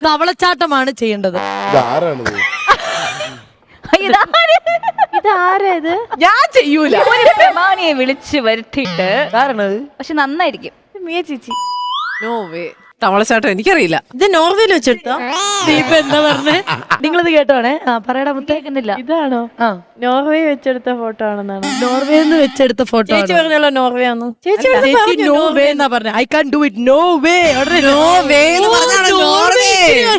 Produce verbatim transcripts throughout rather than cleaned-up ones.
തവളച്ചാട്ടമാണ് ചെയ്യേണ്ടത്. ഇതാരാ ഇത്? ഞാൻ ചെയ്യൂല. പ്രമാണിയെ വിളിച്ച് വരുത്തിയിട്ട് പക്ഷെ നന്നായിരിക്കും. മിയ ചേച്ചി നോ വേ. തവളച്ചാട്ടം എനിക്കറിയില്ല. ഇത് നോർവേയിൽ വെച്ചെടുത്തോ? ദീപ എന്താ പറഞ്ഞേ? നിങ്ങളിത് കേട്ടോണേ. ആ പറയടാ മുത്തേ. കേൾക്കുന്നില്ല. ഇതാണോ? ആ നോർവേ വെച്ചെടുത്ത ഫോട്ടോ ആണെന്നാണ് നോർവേയിൽ നിന്ന് വെച്ചെടുത്ത ഫോട്ടോ. ചേച്ചി പറഞ്ഞല്ലോ നോർവേ ആണെന്ന്. ചേച്ചി നോ വേ എന്നാ പറഞ്ഞേ. I can do it. No way. No way എന്ന് പറഞ്ഞാണ് നോർവേ.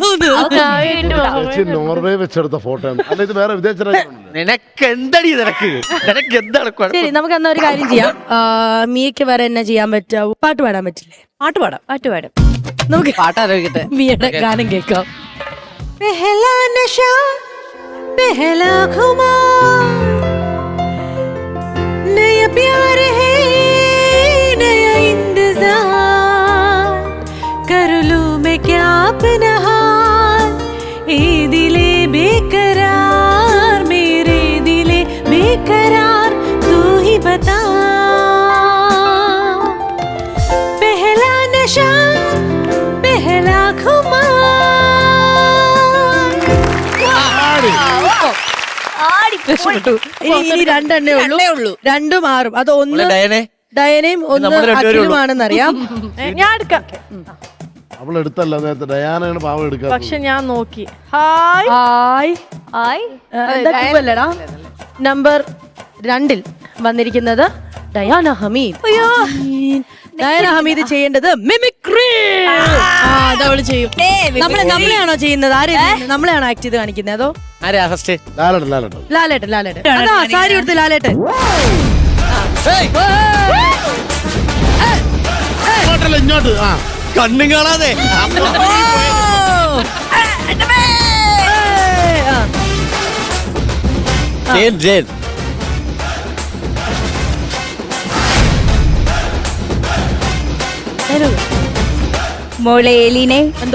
നോർവേ വെച്ചെടുത്ത ഫോട്ടോ അല്ല, ഇത് വേറെ വിദേശ രാജ്യമാണല്ലോ. നിനക്ക് എന്തടി നിനക്ക് നിനക്ക് എന്താണ് ശരി, നമുക്ക് എന്നാ ഒരു കാര്യം ചെയ്യാം. മിയക്ക് വേറെ എന്നാ ചെയ്യാൻ പറ്റാവൂ? പാട്ട് പാടാൻ പറ്റില്ലേ? പാട്ട് പാടാം. പാട്ട് പാടും. നമുക്ക് പാട്ടാലോചിക്കട്ടെ. മിയയുടെ ഗാനം കേൾക്കാം. പെഹലാ നശാ പെഹലാ ഖുമാർ നയ പ്യാർ ഹേ നയ इंतजार कर लूं मैं क्या अपना हाल ए दिले बेकरार मेरे दिले बेकरार तू ही बता पहला नशा पहला खुमार. ഇനി ഇനി രണ്ടെണ്ണേ ഉള്ളൂ. രണ്ടു മാറും. അത് ഒന്ന് ഡയനെ ഡയനയും ഒന്ന് അഖിലുമാണെന്നറിയാം. ഞാൻ എടുക്കാം. അവളെടുത്തല്ല നേരത്തെ, ഡയാനയാണ് പാവം എടുക്കുക. പക്ഷെ ഞാൻ നോക്കി. Hi hi. ആയി അല്ലടാ, നമ്പർ രണ്ടിൽ വന്നിരിക്കുന്നത് ഡയാന ഹമീദ്. ഡയന ഹമീദ് ചെയ്യേണ്ടത് മിമിക്രി. അതവള് ചെയ്യും. നമ്മളെ നമ്മളെയാണോ ചെയ്യുന്നത്? ആരെ നമ്മളെയാണോ ആക്ട് ചെയ്ത് കാണിക്കുന്നത്? അതോ ആരാ ഫസ്റ്റ്? ലാലട്ടൻ ലാലട്ടൻ ലാലേട്ടൻ? ലാലേട്ടൻ അതാ സാരി എടുത്ത് ലാലേട്ടൻ. ഇങ്ങോട്ടല്ല ഇങ്ങോട്ട്. ആ കണ്ണും കാണാതെ ജയൻ ജയൻ മൊളേലിനെ എന്തോ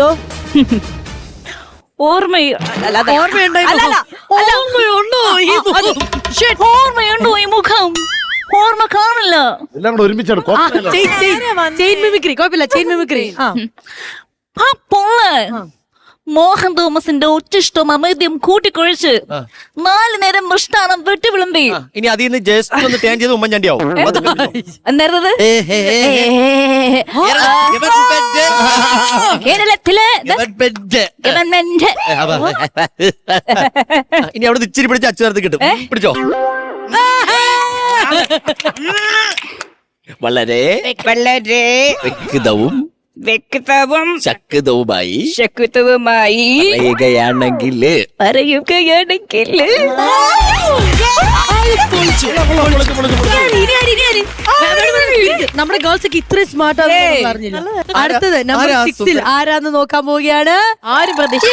ഓർമ്മയോ ഓർമ്മയുണ്ടോ? ഓർമ്മയുണ്ടോ ഈ മുഖം? ഓർമ്മയുണ്ടോ ഈ മുഖം? ഓർമ്മ കാണില്ല. എല്ലാം കൂടെ ഒരുമിച്ചാണ്. ചെയിൻ മിമിക്രി കുഴപ്പമില്ല. Chain mimicry. ആ ആ പൊള്ള് മോഹൻ തോമസിന്റെ ഒറ്റിഷ്ടം അമേദ്യം കൂട്ടിക്കൊഴിച്ച് നാല് നേരം മൃഷ്ടാനം വെട്ടി വിളമ്പി. ഇനി അതിൽ നിന്ന് ജസ്റ്റ് ഒന്ന് ടേൺ ചെയ്ത് ഉമ്മൻചാണ്ടിയാവും. എന്തായിരുന്നത്? കേരളത്തിലെ ഗവൺമെന്റ് ഇനി അവിടെ ഇച്ചിരി പിടിച്ച് അച്ചു ചേർത്ത് കിട്ടും. പിടിച്ചോ. വളരെ വളരെ വ്യക്തവും വ്യക്തവും ശക്തവുമായി ശക്തവുമായി പറയുകയാണെങ്കിൽ പറയുകയാണെങ്കിൽ നമ്മുടെ ഗേൾസ് ഒക്കെ ഇത്രയും സ്മാർട്ട് ആണെന്ന് പറഞ്ഞില്ല. അടുത്തത് നമ്പർ സിക്സിൽ ആരാന്ന് നോക്കാൻ പോവുകയാണ്. ആരും പ്രതീക്ഷ.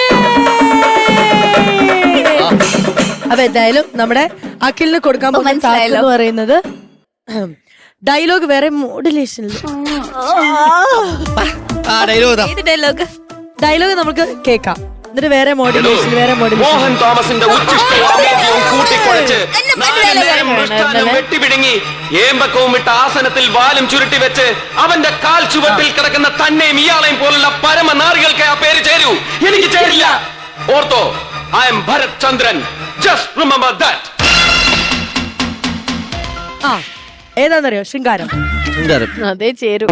അപ്പൊ എന്തായാലും നമ്മുടെ അഖിലിന് കൊടുക്കാൻ പോകുന്ന ടാസ്ക് എന്ന് പറയുന്നത് ഡയലോഗ് വേറെ മോഡുലേഷൻ. ഡയലോഗ് ഡയലോഗ് നമുക്ക് കേൾക്കാം. എന്നിട്ട് വേറെ മോഡുലേഷൻ വേറെ മോഡുലേഷൻ. മോഹൻ തോമസിന്റെ ഉച്ചിഷ്ടവും അമേദ്യവും കൂട്ടിക്കുഴച്ച് നാല് നേരം മൃഷ്ടാന്നം വെട്ടിപിടുങ്ങി ഏമ്പക്കവും ഇട്ട ആസനത്തിൽ വാലും ചുരുട്ടി വെച്ച് അവന്റെ കാൽ ചുവട്ടിൽ കിടക്കുന്ന തന്നെയും ഇയാളെയും പോലുള്ള പരമനാറികൾക്ക് ആ പേര് ചേരൂ. എനിക്ക് ചേരില്ല. ഓർത്തോ, I am Bharath Chandran. Just remember that. ആ ഏതാന്നറിയോ? ശൃംഗാരം. അതേ ചേരും.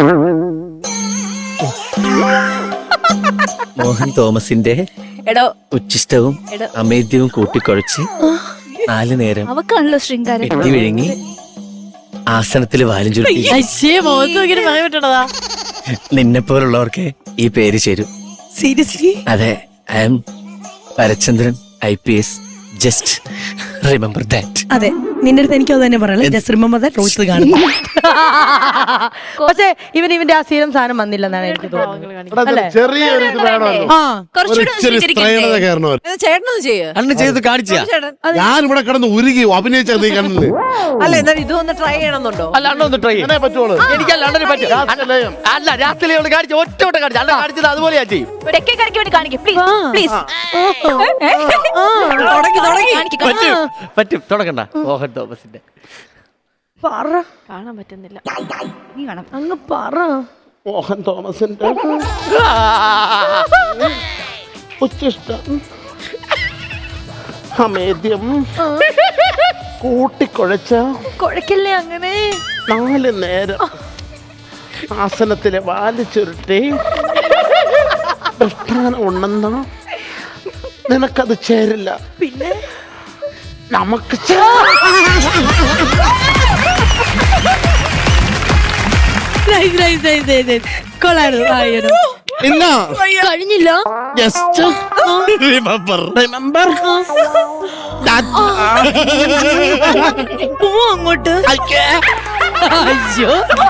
മോഹൻ തോമസിന്റെ എടോ ഉച്ചിഷ്ടവും അമേദ്യവും കൂട്ടിക്കുഴച്ച് നാല് നേരം അവക്കാണല്ലോ ശൃംഗാരം. വെട്ടി വിഴുങ്ങി ആസനത്തിൽ വാലും ചുരുട്ടി മുഖത്ത് നോക്കിയിട്ട് പറയാൻ പറ്റണതാ. നിന്നെ പോലുള്ളവർക്ക് ഈ പേര് ചേരും. സീരിയസ്ലി? അതെ, I am Bharachandran I P S. Just remember that. അതെ, നിന്റെ അടുത്ത് എനിക്കത് തന്നെ പറയാം. Just remember that. റോസ് കാണുന്നു. പക്ഷെ ഇവൻ ഇവന്റെ ആ സീരം സാധനം വന്നില്ലെന്നാണ് എനിക്ക് തോന്നുന്നത്. ചെറിയൊരു ഇത് വേണമല്ലോ. ആ ഇച്ചിരി സ്ത്രൈണത കയറണമല്ലോ. ചേട്ടനത് ചെയ്യ. അന്ന് ചെയ്ത് കാണിച്ചാ. ഞാൻ ഇവിടെ കിടന്ന് ഉരുകി അഭിനയിച്ച നീ കണ്ടത്. അല്ല എന്നാലും ഇതൊന്ന് ട്രൈ ചെയ്യണമെന്നുണ്ടോ? അല്ല അണ്ണ ഒന്ന് ട്രൈ അങ്ങനെ പറ്റുള്ളൂ. എനിക്കല്ല അണ്ണന് പറ്റും. രാസലയം. അല്ല രാത്രിയിലെ കാണിച്ചു ഒറ്റ വട്ടം കാണിച്ചു. അണ്ണ കാണിച്ചത് അതുപോലെ ഞാൻ ചെയ്യും. തെക്കേ കറിക്ക് വേണ്ടി കാണിക്കും പ്ലീസ് പ്ലീസ്. തുടങ്ങി തുടങ്ങി. പറ്റും പറ്റും. തുടങ്ങണ്ട. മോഹൻ തോമസിന്റെ പറ. കാണാൻ പറ്റുന്നില്ല. നീ കാണാം. അങ്ങ് പറ. മോഹൻ തോമസിന്റെ ഉച്ചിഷ്ടം അമേദ്യം കൂട്ടിക്കുഴച്ച കുഴക്കല്ലേ അങ്ങനെ നാല് നേരം ആസനത്തിലെ വാല് ചുരുട്ടി ദൃഷ്ടാനം ഉണ്ടെന്ന നിനക്കത് ചേരില്ല. പിന്നെ നമുക്ക് Nice, nice, nice, nice, nice. കൊള്ളായിരുന്നു. ആ, you know. ഇല്ല കഴിഞ്ഞില്ല. ജസ്റ്റ് റിമെമ്പർ റിമെമ്പർ പോ അങ്ങോട്ട്. അയ്യോ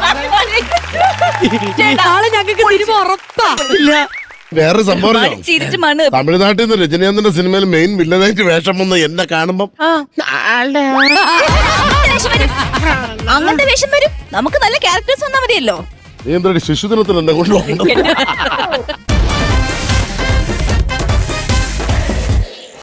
നാളെ ഞങ്ങൾക്ക് സിനിമ ഉറപ്പാ. വേറെ സംഭവം അറിയോ? ചിരിച്ച് മണ്ണ് തമിഴ്നാട്ടിൽ നിന്ന് രജനീകാന്തിന്റെ സിനിമയിൽ മെയിൻ വില്ലനായിട്ട് വേഷം വന്ന് എന്നെ കാണുമ്പം അങ്ങനത്തെ വേഷം വരും. നമുക്ക് നല്ല ക്യാരക്ടേഴ്സ് വന്നാൽ മതിയല്ലോ. നീ എന്തൊരു ശിശുദിനത്തിൽ എന്നെ കൊണ്ടുപോകുന്നു.